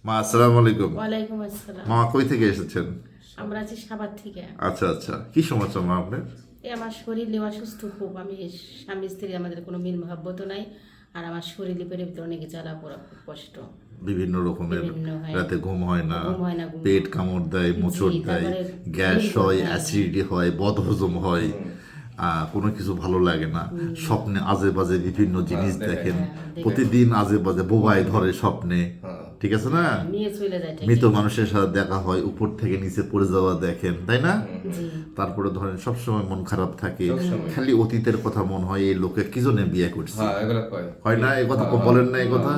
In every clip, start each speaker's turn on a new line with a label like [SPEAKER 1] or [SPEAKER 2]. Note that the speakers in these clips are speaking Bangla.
[SPEAKER 1] মা আসসালামু আলাইকুম।
[SPEAKER 2] ওয়ালাইকুম আসসালাম।
[SPEAKER 1] মা কই থেকে এসেছেন?
[SPEAKER 2] আমরা আছি সাভার থেকে।
[SPEAKER 1] আচ্ছা আচ্ছা, কি সমস্যা মা আপনার?
[SPEAKER 2] এই আমার শরীরে অসুস্থ খুব। আমি স্বামী স্ত্রী আমাদের কোনো মিল মহাব্বত নাই। আর আমার শরীরে পেটের ভিতরে অনেক জ্বালা পোড়া, খুব কষ্ট।
[SPEAKER 1] বিভিন্ন রকমের,
[SPEAKER 2] বিভিন্ন, হ্যাঁ।
[SPEAKER 1] রাতে ঘুম হয় না,
[SPEAKER 2] ঘুম হয় না, ঘুম
[SPEAKER 1] পেট কামড় দেয়, মোচড় দেয়,
[SPEAKER 2] তারপরে
[SPEAKER 1] গ্যাস
[SPEAKER 2] দীর্ঘ,
[SPEAKER 1] হয়,
[SPEAKER 2] হ্যাঁ।
[SPEAKER 1] অ্যাসিডিটি হয়, বদহজম হয়, কোনো কিছু ভালো লাগে না, স্বপ্নে আজে বাজে বিভিন্ন জিনিস দেখেন, প্রতিদিন আজে বাজে বোবাই ধরে স্বপ্নে, ঠিক আছে না?
[SPEAKER 2] নিয়ে চলে যায় ঠিক।
[SPEAKER 1] মৃত মানুষের সাথে দেখা হয়, উপর থেকে নিচে পড়ে যাওয়া দেখেন, তাই না?
[SPEAKER 2] জি।
[SPEAKER 1] তারপরে ধরেন সবসময় মন খারাপ থাকে, খালি অতীতের কথা মনে হয়, এই লোকে কি জন্য বিয়ে করছে, হয় না? এই কথা বলেন না, এই কথা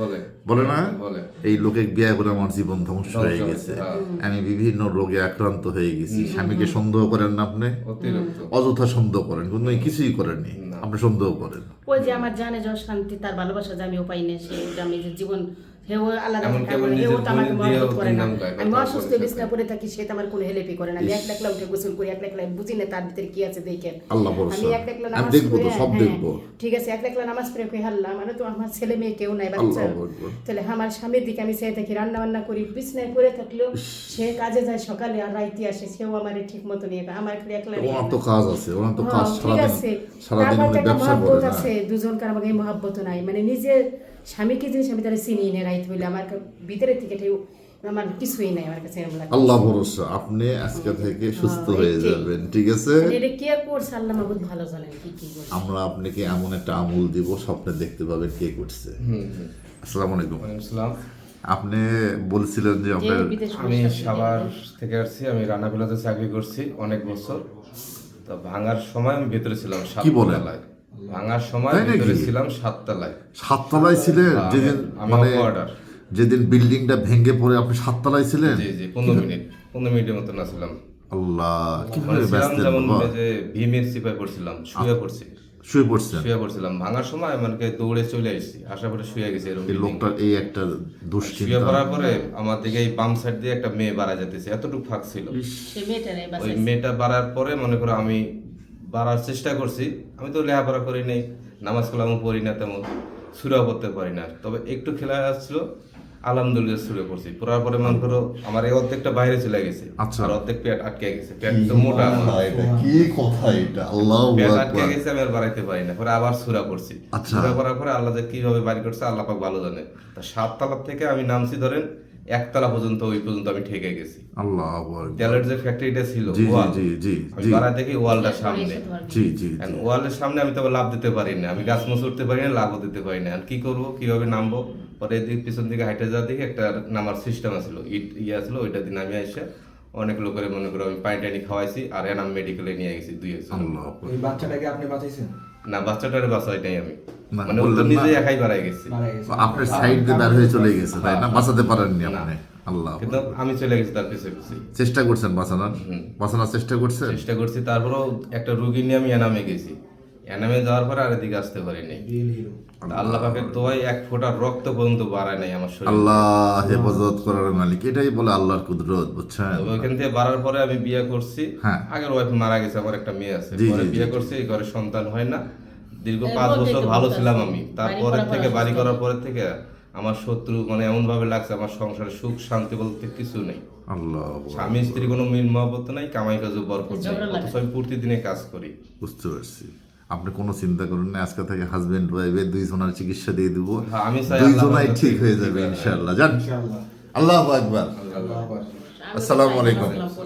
[SPEAKER 1] বলে না? এই লোকে বিয়ে করে আমার জীবন ধ্বংস হয়ে গেছে, আমি বিভিন্ন রোগে আক্রান্ত হয়ে গেছি। স্বামীকে সন্দেহ করেন না আপনি? অযথা সন্দেহ করেন, কিন্তু কিছুই করেননি, আপনি সন্দেহ করেন।
[SPEAKER 2] ওই যে আমার জানে যশ শান্তি, তার ভালোবাসা যে আমি উপায় নেই, সে যে আমি যে জীবন হেও আলাদা
[SPEAKER 3] এমন
[SPEAKER 2] থাকে,
[SPEAKER 3] কেমন
[SPEAKER 2] হেও
[SPEAKER 3] নিজের
[SPEAKER 2] তো আমাকে
[SPEAKER 3] বোন দিয়েও
[SPEAKER 2] মহব্বত করে না।
[SPEAKER 3] তিন নাম গায়,
[SPEAKER 2] আমি
[SPEAKER 3] কথা
[SPEAKER 2] অসুস্থ
[SPEAKER 3] বলছে
[SPEAKER 2] বিছনা পড়ে থাকি, সে তো আমার কোনো হেল্পই করে না। আমি একলা একলা উঠে গোসল করি, একলা একলা বুঝি না তার ভিতরে কি আছে দেখেন।
[SPEAKER 1] আল্লাহ ভরসা,
[SPEAKER 2] আমি একলা একলা
[SPEAKER 1] আমি
[SPEAKER 2] নামাজ
[SPEAKER 1] দেখবো তো,
[SPEAKER 2] পড়ে,
[SPEAKER 1] সব
[SPEAKER 2] হ্যাঁ,
[SPEAKER 1] দেখবো।
[SPEAKER 2] ঠিক আছে, একলা একলা নামাজ পড়ে কই হাল্লা, মানে তো আমার ছেলে মেয়ে কেউ নাই, বাচ্চা।
[SPEAKER 1] আল্লাহু আকবার।
[SPEAKER 2] তাহলে আমার স্বামীর দিকে আমি চেয়ে থাকি, রান্না বান্না করি, বিছনায় পড়ে থাকলেও সে কাজে যায় সকালে আর রাইতে আসে, সেও আমার ঠিক মতো নিয়ে আমার খালি একলা নিয়ে
[SPEAKER 1] ওনার তো কাজ আছে, ওনার তো কাজ,
[SPEAKER 2] ঠিক আছে।
[SPEAKER 1] সারাদিন
[SPEAKER 2] তারপর
[SPEAKER 1] উনি
[SPEAKER 2] একটা
[SPEAKER 1] ব্যবসা
[SPEAKER 2] মহব্বত
[SPEAKER 1] করে না।
[SPEAKER 2] আছে, দুজনকার আমাকে মহব্বত নাই, মানে নিজের স্বামীকে জিনিস আমি তারা চিনি না, রাইত হইলে আমার ভিতরে থেকে আমার কিছুই নাই আমার কাছে, এরকম লাগে।
[SPEAKER 1] আল্লাহ ভরসা, আপনি আজকে থেকে সুস্থ হয়ে
[SPEAKER 2] এইটাই।
[SPEAKER 1] যাবেন, ঠিক আছে?
[SPEAKER 2] মানে এটা কে করছে আল্লাহ মাহবুব ভালো জানেন কি কি করছে।
[SPEAKER 1] আমরা আপনাকে এমন একটা আমল দিব, স্বপ্নে দেখতে পাবেন কে করছে। আসসালামু আলাইকুম।
[SPEAKER 3] ইসলাম।
[SPEAKER 1] আপনি বলছিলেন যে
[SPEAKER 2] যে
[SPEAKER 1] আপনার
[SPEAKER 2] বিদেশ
[SPEAKER 3] আমি
[SPEAKER 2] বসে আছে,
[SPEAKER 3] সাভার থেকে আসছি, আমি রানাবিলাতে চাকরি করছি অনেক বছর। তো ভাঙার সময় আমি ভেতরে ছিলাম
[SPEAKER 1] কি বলেন?
[SPEAKER 3] সাততলায়। ভাঙার সময়
[SPEAKER 1] তাই নাকি?
[SPEAKER 3] ভেতরে ছিলাম সাততলায়।
[SPEAKER 1] সাততলায় ছিলেন যেদিন,
[SPEAKER 3] আমি
[SPEAKER 1] মানে
[SPEAKER 3] অপারেটর।
[SPEAKER 1] যেদিন বিল্ডিংটা ভেঙে পড়ে আপনি সাততলায় ছিলেন?
[SPEAKER 3] জি জি, 15 মিনিটের মতো না ছিলাম।
[SPEAKER 1] আল্লাহ,
[SPEAKER 3] মানে
[SPEAKER 1] কিভাবে
[SPEAKER 3] ছিলাম
[SPEAKER 1] ব্যস্ত
[SPEAKER 3] যেমন
[SPEAKER 1] বাবা?
[SPEAKER 3] এই যে ভীমের সিপাই পড়ছিলাম, শুয়ে পড়ছি।
[SPEAKER 1] শুয়ে পড়ছেন?
[SPEAKER 3] শুয়ে পড়ছিলাম ভাঙার সময়, মানে দৌড়ে চলে আসছি, আসার পরে শুয়ে গেছি এরকম।
[SPEAKER 1] এই লোকটার এই একটা
[SPEAKER 3] শুয়ে
[SPEAKER 1] দুশ্চিন্তা।
[SPEAKER 3] পড়ার পরে আমার দিকে এই বাম সাইড দিয়ে একটা মেয়ে বাড়া যেতেছে, এতটুকু ফাঁক ছিল।
[SPEAKER 2] সে মেয়েটা নেই
[SPEAKER 3] ওই
[SPEAKER 2] বাসায়।
[SPEAKER 3] মেয়েটা বাড়ার পরে মনে করো আমি বাড়ার চেষ্টা করছি। আমি তো লেখাপড়া করি নাই, নামাজ কালামও পড়ি না, তেমন সুরাও করতে পারি না। তবে একটু খেলা আসছিল, আলহামদুলিল্লাহ সুরে করছি। পড়ার পরে মনে করো আমার এই অর্ধেকটা বাইরে চলে গেছে,
[SPEAKER 1] আচ্ছা।
[SPEAKER 3] আর অর্ধেক পেট আটকে গেছে। পেট তো মোটা আমার।
[SPEAKER 1] এটা কি কথা এটা? আল্লাহু
[SPEAKER 3] পেট আটকে
[SPEAKER 1] আকবার।
[SPEAKER 3] গেছে, আমি আর বাড়াইতে পারি না। পরে আবার সুরা করছি।
[SPEAKER 1] আচ্ছা।
[SPEAKER 3] সুরা করার পরে আল্লাহ যে কিভাবে বাড়ি করছে আল্লাহ পাক ভালো জানে। তা 7 তলা থেকে আমি নামছি ধরেন 1 তলা পর্যন্ত, ওই পর্যন্ত আমি ঠেকে গেছি।
[SPEAKER 1] আল্লাহু আকবার।
[SPEAKER 3] তেলের যে ফ্যাক্টরিটা ছিল,
[SPEAKER 1] জি
[SPEAKER 3] ওয়াল,
[SPEAKER 1] জি জি
[SPEAKER 3] আমি
[SPEAKER 1] জি
[SPEAKER 3] বাড়া দেখি ওয়ালটার সামনে।
[SPEAKER 1] জি জি
[SPEAKER 3] And ওয়ালের সামনে আমি তো আবার লাভ দিতে পারি না, আমি গাছ মোছ উঠতে পারি না, লাভও দিতে পারি না। আর কি করবো, কিভাবে নামবো? পরে এদিক পিছন দিকে হাইটে যাওয়ার দিকে একটা নামার সিস্টেম আছিল, ইট ছিল, ওইটা দিন আমি এসে অনেক লোকের মনে করো আমি পানি টানি খাওয়াইছি, আর এনাম মেডিকেলে নিয়ে গেছি 2 একজন।
[SPEAKER 1] আল্লাহু আকবার।
[SPEAKER 4] ওই বাচ্চাটাকে আপনি বাঁচাইছেন?
[SPEAKER 3] না, বাচ্চাটারে বাঁচাই নাই আমি,
[SPEAKER 1] না,
[SPEAKER 3] মানে ও তো
[SPEAKER 1] বললেন না।
[SPEAKER 3] নিজে একাই বাড়াই গেছি।
[SPEAKER 4] মারা গেছে।
[SPEAKER 1] আপনার সাইড দিয়ে বের হয়ে চলে গেছে, তাই না? বাঁচাতে পারেননি আপনি? আল্লাহ আকবার।
[SPEAKER 3] কিন্তু আমি চলে গেছি তার পিছে পিছে,
[SPEAKER 1] চেষ্টা করছেন বাঁচানোর? বাঁচানোর চেষ্টা করছেন?
[SPEAKER 3] চেষ্টা করছি। তারপরেও একটা রুগী নিয়ে আমি এনামে গেছি। এনামে যাওয়ার পরে আর এদিকে আসতে পারি নাই।
[SPEAKER 4] Real hero.
[SPEAKER 3] আল্লাহ পাকের দোয়ায় 1 ফোঁটা রক্ত পর্যন্ত বাড়ায় নাই আমার শরীরে।
[SPEAKER 1] আল্লাহ হেফাজত করার মালিক, এটাই বলে আল্লাহর কুদরত, বুঝছেন?
[SPEAKER 3] তবে ওইখান থেকে বাড়ার পরে আমি বিয়ে করছি।
[SPEAKER 1] হ্যাঁ।
[SPEAKER 3] আগের ওয়াইফ মারা গেছে, আমার একটা মেয়ে আছে।
[SPEAKER 1] জি,
[SPEAKER 3] পরে
[SPEAKER 1] জি,
[SPEAKER 3] বিয়ে
[SPEAKER 1] জি,
[SPEAKER 3] করছি, ঘরে সন্তান হয় না। দীর্ঘ
[SPEAKER 2] এই
[SPEAKER 3] 5
[SPEAKER 2] বলতেই
[SPEAKER 3] বছর
[SPEAKER 2] তো
[SPEAKER 3] ভালো
[SPEAKER 2] বলতেছি।
[SPEAKER 3] ছিলাম আমি।
[SPEAKER 2] বাড়ি
[SPEAKER 3] তারপরে
[SPEAKER 2] করার
[SPEAKER 3] থেকে
[SPEAKER 2] পর
[SPEAKER 3] বাড়ি
[SPEAKER 2] অসুস্থ
[SPEAKER 3] করার পরে থেকে আমার শত্রু, মানে এমন ভাবে লাগছে আমার সংসারে সুখ শান্তি বলতে কিছু নেই।
[SPEAKER 1] আল্লাহ আকবার।
[SPEAKER 3] স্বামী স্ত্রী কোনো মিল মহব্বত নাই, কামাই কাজে বরকত নেই।
[SPEAKER 2] ঝগড়া লাগে।
[SPEAKER 3] অথচ আমি প্রতিদিনে কাজ করি।
[SPEAKER 1] বুঝতে পারছি। আপনি কোনো চিন্তা করুন না, আজকে থেকে হাজবেন্ড ওয়াইফে দুইজনের চিকিৎসা দিয়ে দিব,
[SPEAKER 3] হ্যাঁ, আমি চাই
[SPEAKER 1] দুইজনাই
[SPEAKER 3] আল্লাহ
[SPEAKER 1] ঠিক হয়ে
[SPEAKER 3] ঠিক
[SPEAKER 1] যাবে
[SPEAKER 3] হয়ে
[SPEAKER 1] ইনশাআল্লাহ। জান,
[SPEAKER 4] ইনশাআল্লাহ।
[SPEAKER 1] আল্লাহু আকবার।
[SPEAKER 4] আল্লাহ হাফেজ।
[SPEAKER 1] আসসালামু আলাইকুম।